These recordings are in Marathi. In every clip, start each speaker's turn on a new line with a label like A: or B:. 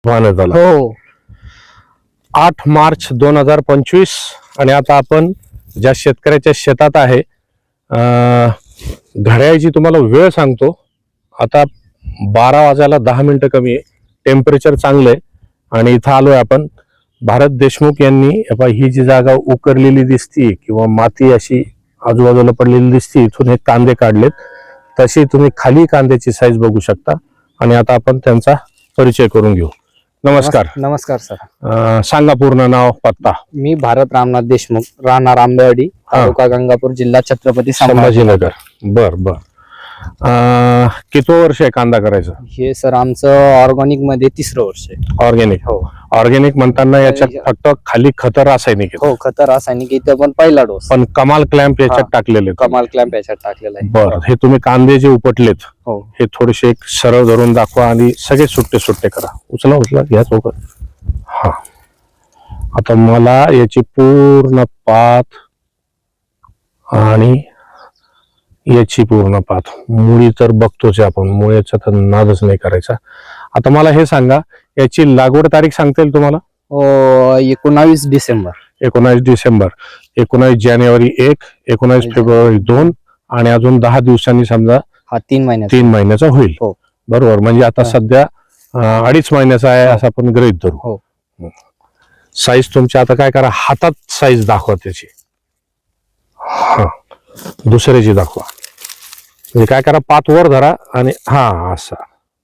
A: झाला
B: हो
A: 8 मार्च 2025 आणि आता आपण ज्या शेतकऱ्याच्या शेतात आहे घड्याळीची तुम्हाला वेळ सांगतो. आता 12 वाजायला 10 मिनिटं कमी आहे. टेम्परेचर चांगलं आहे आणि इथं आलोय आपण. भारत देशमुख यांनी ही जी जागा उकरलेली दिसती किंवा माती अशी आजूबाजूला पडलेली दिसती, इथून हे कांदे काढलेत. तशी तुम्ही खाली कांद्याची साईज बघू शकता आणि आता आपण त्यांचा परिचय करून घेऊ. नमस्कार.
B: नमस्कार सर.
A: सांगा पूर्ण नाव पत्ता.
B: मी भारत रामनाथ देशमुख, राहणार आंबेवाडी, तालुका गंगापूर, जिल्हा छत्रपती
A: संभाजीनगर. बर बर. किती वर्ष आहे कांदा करायचं?
B: हे सर आमचं ऑर्गॅनिक मध्ये 3रं वर्ष आहे.
A: ऑर्गॅनिक.
B: हो
A: ऑर्गॅनिक म्हणताना याच्यात फक्त खाली खतं रासायनिक आहेत.
B: हो खत रासायनिक इथं पण पहिला डोस,
A: पण कमाल क्लॅम्प याच्यात टाकलेले.
B: कमाल क्लॅम्प याच्यात टाकलेला आहे.
A: बर. हे तुम्ही कांदे जे उपटलेत
B: हो
A: हे थोडेसे एक सरळ धरून दाखवा आणि सगळे सुट्टे सुट्टे करा. उचला उचला घ्या सोबत. हा आता मला याची पूर्ण पात आणि याची पूर्ण पात, मुळी तर बघतोच आपण, मुळीचा तर नादच नाही करायचा. आता मला हे सांगा, याची लागवड तारीख सांगता येईल तुम्हाला?
B: 19 डिसेंबर.
A: 19 डिसेंबर, 19 जानेवारी 1, 19 फेब्रुवारी 2 आणि अजून 10 दिवसांनी समजा
B: हा 3
A: महिन्याचा होईल.
B: हो
A: बरोबर. म्हणजे आता सध्या 2.5 महिन्याचा आहे असं आपण गृहीत धरू.
B: हो.
A: साईज तुमच्या आता काय करा, हातात साईज दाखवा त्याची. हा दुसऱ्याची दाखवा. म्हणजे काय करा, पात वर धरा आणि हा असा.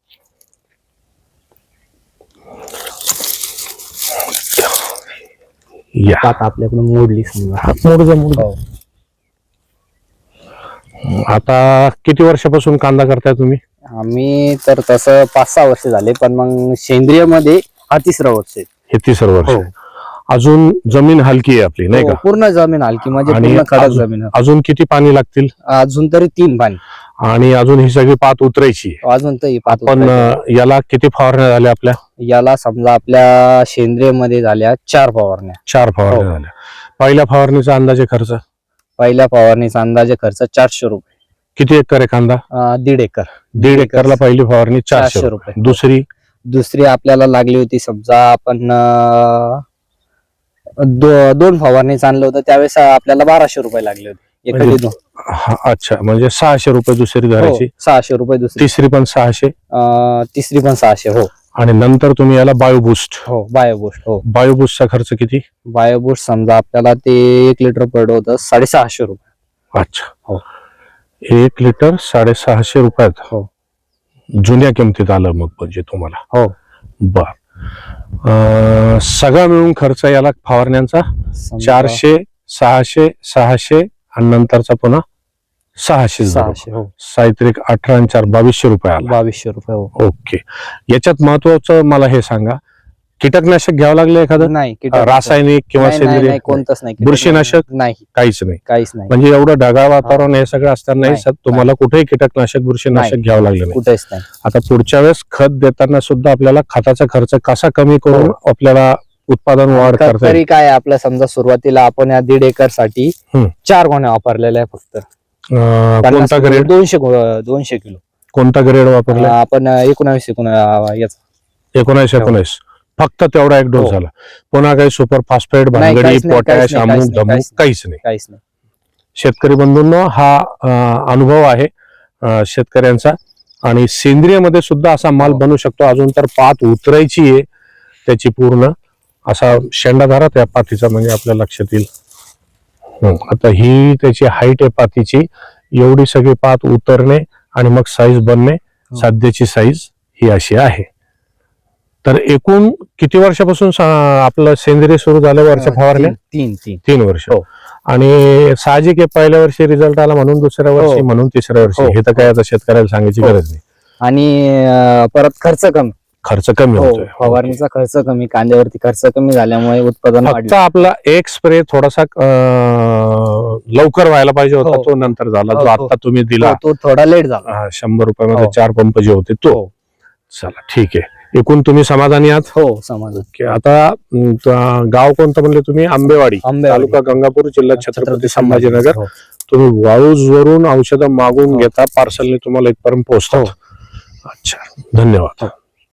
A: या
B: पात आपल्याकडून मोडली समजा.
A: मोड. आता किती वर्षापासून कांदा करताय तुम्ही?
B: आम्ही तर तसं 5-6 वर्ष झाले, पण मग सेंद्रिय मध्ये हा 3रं वर्ष आहे.
A: हे 3रं वर्ष. अजून जमीन हलकी आहे आपली, नाही का?
B: पूर्ण जमीन हलकी म्हणजे पूर्ण कडक जमीन.
A: अजून किती पाणी लागतील?
B: अजून तरी 3 पाणी.
A: आणि अजून ही सगळी पात उतरायची.
B: अजून तरी पात
A: पण याला किती फवारण्या झाल्या आपल्या?
B: याला समजा आपल्या सेंद्रिय मध्ये झाल्या 4 फवारण्या.
A: 4 फवारण्या झाल्या. पहिल्या फवारणीचा अंदाजे खर्च?
B: पहिल्या फवारणीचा अंदाजे खर्च 400 रुपये.
A: किती एकर आहे कांदा?
B: 1.5 एकर.
A: 1.5 एकरला पहिली फवारणी 400 रुपये.
B: दुसरी आपल्याला लागली होती समजा आपण 2 फवारणी आणलं होतं त्यावेळेस आपल्याला 1200 रुपये लागले होते.
A: अच्छा, म्हणजे 600 रुपये दुसरी धरायची.
B: 600 रुपये दुसरी.
A: तिसरी पण 600.
B: तिसरी पण 600. हो.
A: आणि नंतर तुम्ही याला बायोबूस्ट.
B: हो बायोबूस्ट. हो
A: बायोबूस्टचा खर्च किती?
B: बायोबूस्ट समजा आपल्याला ते 1 लिटर पडलं होतं 650 रुपये.
A: अच्छा.
B: हो
A: 1 लिटर 650 रुपयात.
B: हो
A: जुन्या किमतीत आलं मग म्हणजे तुम्हाला.
B: हो.
A: बर. सगळा मिळून खर्च याला फवारण्यांचा 400, 600, 600 आणि नंतरचा पुन्हा 600.
B: हो.
A: साहित्रिक 18 आणि 4 2200 रुपये आला.
B: 2200 रुपये. हो.
A: ओके. याच्यात महत्वाचं मला हे सांगा, कीटकनाशक घ्यावं लागलं एखादं?
B: नाही.
A: रासायनिक किंवा सेंद्रिय?
B: कोणतंच नाही.
A: बुरशीनाशक?
B: नाही,
A: काहीच नाही.
B: काहीच नाही.
A: म्हणजे एवढं ढगाळ वातावरण हे सगळं असताना तुम्हाला कुठेही कीटकनाशक बुरशीनाशक घ्यावं लागलं नाही?
B: कुठेच नाही.
A: आता पुढच्या वेळेस खत देताना सुद्धा आपल्याला खताचा खर्च कसा कमी करून आपल्याला उत्पादन वाढ करता
B: तरी काय आपल्या समजा सुरुवातीला आपण या 1.5 एकर साठी 4 गोण्या वापरलेल्या आहे फक्त.
A: कोणता ग्रेड?
B: 200 किलो.
A: कोणता ग्रेड वापरला
B: आपण? 19
A: फक्त तेवढा 1 डोस झाला. पुन्हा काही सुपर फॉस्फेट, भानगडी, पोटॅश, अमुक धमुक काहीच नाही. शेतकरी बंधूंनो, हा अनुभव आहे शेतकऱ्यांचा. आणि सेंद्रिय मध्ये सुद्धा असा माल बनू शकतो. अजून तर पात उतरायची आहे त्याची पूर्ण. असा शेंडाधारा त्या पातीचा म्हणजे आपल्या लक्षात येईल. आता ही त्याची हाईट आहे पातीची. एवढी सगळी पात उतरणे आणि मग साईज बनणे. सध्याची साईज ही अशी आहे. तर एकूण किती वर्षापासून आपलं सेंद्रिय सुरू झालं? वर्ष फवारण्या? 3 वर्ष. आणि साहजिक आहे, पहिल्या वर्षी रिझल्ट आला म्हणून दुसऱ्या वर्षी, म्हणून तिसऱ्या वर्षी. हे तर काय आता शेतकऱ्याला सांगायची गरज नाही.
B: आणि परत खर्च कमी
A: होतोय.
B: फवारणीचा खर्च कमी, कांद्यावरती खर्च कमी झाल्यामुळे उत्पादन
A: फक्त आपला एक स्प्रे थोडासा लवकर व्हायला पाहिजे होता, तो नंतर झाला. जो आता तुम्ही दिला
B: तो थोडा लेट झाला.
A: 100 रुपयामध्ये 4 पंप जे होते तो. चला ठीक आहे. एकूण तुम्ही समाधानी आहात?
B: हो समाधान.
A: आता गाव कोणतं म्हणले तुम्ही? आंबेवाडी, तालुका गंगापूर, जिल्हा छत्रपती संभाजीनगर. तुम्ही वाळूज वरून औषधं मागून घेता, पार्सलने तुम्हाला इथपर्यंत पोहोचतात. अच्छा, धन्यवाद.